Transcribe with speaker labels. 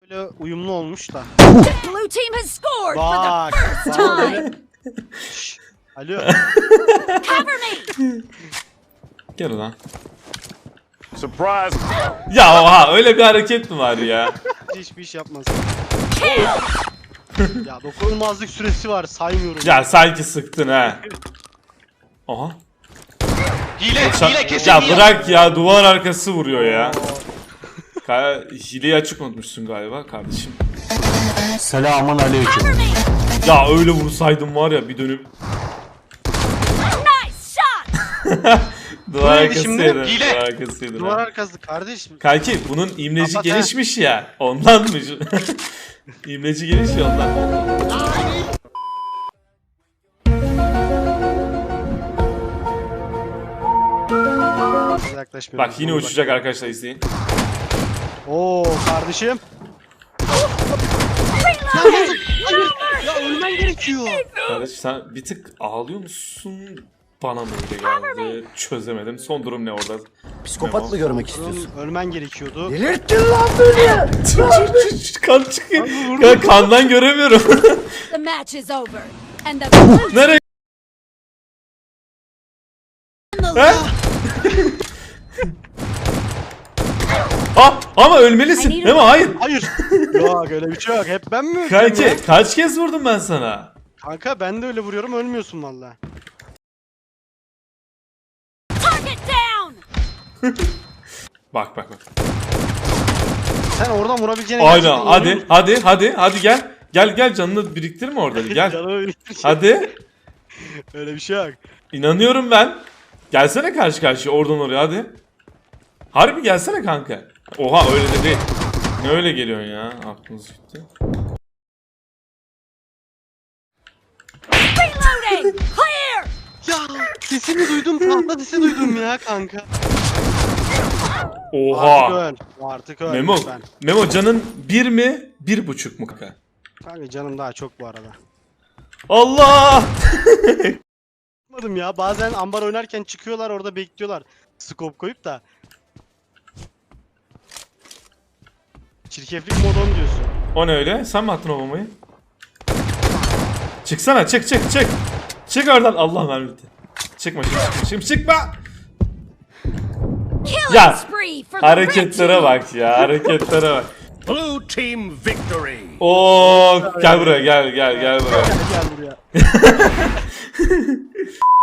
Speaker 1: Böyle uyumlu olmuş da.
Speaker 2: The blue team has scored for
Speaker 1: Bak.
Speaker 2: the first time.
Speaker 1: Şşş, alo.
Speaker 2: Cover me.
Speaker 3: Gel ulan.
Speaker 4: Surprise!
Speaker 3: Ya oha öyle bir hareket mi var ya?
Speaker 1: Hiçbir iş yapmaz. Ya dokunulmazlık süresi var saymıyorum.
Speaker 3: Ya sanki sıktın ha. Oha.
Speaker 4: Hile kesin
Speaker 3: Ya
Speaker 4: hile.
Speaker 3: bırak ya, duvar arkası vuruyor ya. Hileyi açık unutmuşsun galiba kardeşim.
Speaker 5: Selamun aleyküm.
Speaker 2: Cover me.
Speaker 3: Ya öyle vursaydım var ya, bir dönüp
Speaker 2: Nice shot.
Speaker 3: duvar
Speaker 1: neydi şimdi?
Speaker 3: arkasıydı.
Speaker 4: Hile.
Speaker 3: Duvar arkasıydı.
Speaker 1: Duvar arkası kardeşim.
Speaker 3: Kanki bunun imleci
Speaker 1: Kapat ha.
Speaker 3: gelişmiş ya. Ondanmış. İmleci geniş ya ondan.
Speaker 1: Yaklaşmıyorum.
Speaker 3: Bak yine uçacak arkadaşlar, izleyin.
Speaker 1: Oo kardeşim.
Speaker 2: Reloading.
Speaker 1: Ya ölmen gerekiyor.
Speaker 3: Kardeş sen bir tık ağlıyor musun? Bana mı öyle geldi? Çözemedim. Son durum ne orada?
Speaker 5: Psikopat mı görmek istiyorsun?
Speaker 1: Ölmen gerekiyordu.
Speaker 5: Delirttin lan beni.
Speaker 3: Kan çıkıyor. Ya kandan göremiyorum.
Speaker 2: The match is over. And the blue team
Speaker 3: Nereye?
Speaker 2: in the
Speaker 3: He?
Speaker 2: lead.
Speaker 3: Ama ölmelisin. Değil mi? Hayır.
Speaker 1: Hayır. Yok öyle bir şey yok. Hep ben mi öldüm ya?
Speaker 3: Kanki kaç kez vurdum ben sana?
Speaker 1: Kanka ben de öyle vuruyorum ölmüyorsun valla.
Speaker 2: Target down.
Speaker 3: Bak.
Speaker 1: Sen oradan vurabileceğine
Speaker 3: Aynen.
Speaker 1: gerçekten
Speaker 3: Hadi gel. Gel canını biriktirme orada. Gel.
Speaker 1: Canımı biriktir.
Speaker 3: Hadi.
Speaker 1: Öyle bir şey yok.
Speaker 3: İnanıyorum ben. Gelsene karşı karşıya oradan oraya hadi. Harbi gelsene kanka. Oha öyle de değil. Ne öyle geliyorsun ya? Aklınız gitti.
Speaker 2: Reloading. Clear.
Speaker 1: Ya sesini duydum, tahta sesi duydum ya kanka. Artık
Speaker 3: Oha.
Speaker 1: öl. Artık öl.
Speaker 3: Memo.
Speaker 1: lütfen.
Speaker 3: Memo canın 1 mi? 1,5 mu kanka?
Speaker 1: Kanka canım daha çok bu arada.
Speaker 3: Allah!
Speaker 1: Anladım ya bazen ambar oynarken çıkıyorlar orada bekliyorlar. Scope koyup da. Çirkeflik modon diyorsun.
Speaker 3: O ne öyle? Sen mi attın o bombayı? Çıksana çık. Çık oradan. Allah mermi bitti. Çıkma şimdi çıkma.
Speaker 2: Killing
Speaker 3: Ya,
Speaker 2: spree for the red
Speaker 3: Hareketlere
Speaker 2: team.
Speaker 3: bak ya, hareketlere bak.
Speaker 4: Blue team victory!
Speaker 3: Oo, gel buraya gel buraya.
Speaker 1: Gel buraya.